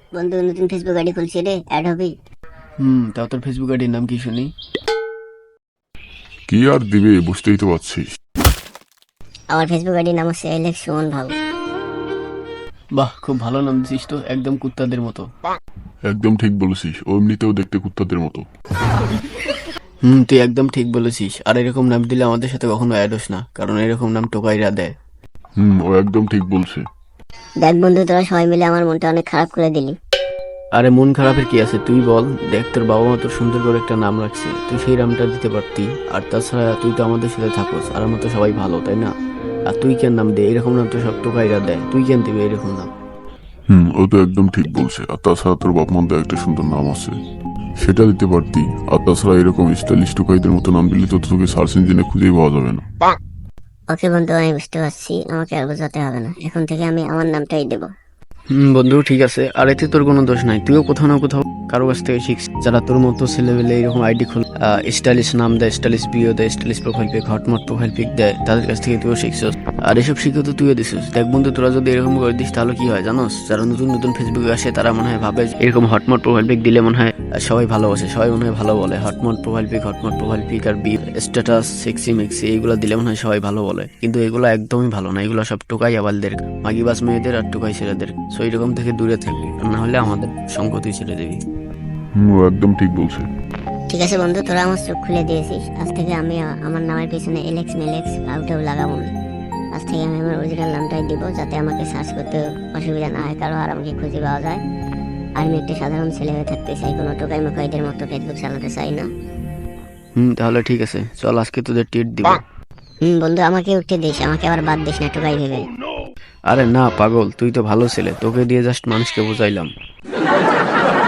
বন্ধু নতুন Facebook ID খুলছি রে, অ্যাড হবি? তাও তোর ফেসবুক আইডির নাম কি শুনি? কি আর দিবে বুঝতেই তো পারছিস। আমার ফেসবুক আইডির নাম হচ্ছে এলেক্স সুমন ভাউ। বাহ, খুব ভালো নাম দিছিস তো, একদম কুত্তাদের মতো। একদম ঠিক বলেছিস, ও এমনিতেও দেখতে কুত্তাদের মতো। তুই একদম ঠিক বলেছিস। আর এরকম নাম দিলে আমাদের সাথে কখনো অ্যাড হোস না, কারণ এরকম নাম টোকাইরা দেয়। ও একদম ঠিক বলছে। দেখ বন্ধু, তোরা সবাই মিলে আমার মনটা অনেক খারাপ করে দিলি। আরে মন খারাপের কি আছে, তুই বল। দেখ, তোর বাবা মা তোর সুন্দর করে একটা নাম রাখছে, তুই সেই নামটা দিতে পারতি। আর তাছাড়া তুই তো আমাদের সাথে থাকোস, আর আমরা তো সবাই ভালো, তাই না? আর তুই কেন নাম দে? এরকম নাম তো সব টোকাইরা দেয়, তুই কেন দিবি এরকম নাম? ও তো একদম ঠিক বলছে। আর তাছাড়া তোর বাপ মার একটা সুন্দর নাম আছে, সেটা দিতে পারতি। আর তাছাড়া এরকম স্টাইলিশ টুকাইদের মতো নাম দিলে তো তোকে সার্চ ইঞ্জিনে খুঁজেই পাওয়া যাবে না। ওকে বন্ধু, আমি বুঝতে পারছি, আমাকে আর বোঝাতে হবে না। এখন থেকে আমি আমার নামটাই দেবো। বন্ধু ঠিক আছে, আর এতে তোর কোনো দোষ নাই। তুইও কোথাও না কোথাও কারো কাছ থেকে শিখছিস, যারা তোর মতো ছেলেবেলে এরকম আইডি খোল, স্টাইলিশ নাম দেয়, স্টাইলিশ বিও দেয়, স্টাইলিশ প্রোফাইল পিক, হটমট প্রোফাইল পিক দেয়, তাদের কাছ থেকে তুইও শিখছিস। আর এসব শিখে তো তুইও দিছিস। দেখ বন্ধু, তোরা যদি এরকম করে দিস তাহলে কি হয় জানোস? যারা নতুন নতুন ফেসবুকে আসে তারা মনে হয় ভাবে যে এরকম হটমট প্রোফাইল পিক দিলে মনে হয় সবাই ভালোবাসে, সবাই মনে হয় ভালো বলে। হটমট প্রোফাইল পিক আর বি স্ট্যাটাস সেক্সি মেক্সি এইগুলো দিলে মনে হয় সবাই ভালো বলে, কিন্তু এগুলো একদমই ভালো না। এগুলো সব টোকাই আবালদের, মাগিবাস মেয়েদের আর টোকাই ছেলেদের। সো এরকম থেকে দূরে থাকবি, আর না হলে আমাদের সঙ্গ তুই ছেড়ে দিবি। ও একদম ঠিক বলছে। ঠিক আছে বন্ধু, তোরা আমার চোখ খুলে দিয়েছিস। আজ থেকে আমি আমার নামের পিছনে এলেক্স মেলেক্স আউটেও লাগাবো না। আজ থেকে আমি আমার অরিজিনাল নামটাই দিব, যাতে আমাকে সার্চ করতে অসুবিধা না হয় কারো, আর আমাকে খুঁজে পাওয়া যায়। আর আমি একটা সাধারণ ছেলে হয়ে থাকতে চাই, কোনো টোকাই মোকাইদের মতো ফেসবুক চালাতে চাই না। তাহলে ঠিক আছে, চল আজকে তোদের ট্রিট দিব। বন্ধু, আমাকে উঠে দিস, আমাকে আবার বাদ দিস না টোকাই ভেবে। আরে না পাগল, তুই তো ভালো ছেলে, তোকে দিয়ে জাস্ট মানুষকে বুঝাইলাম।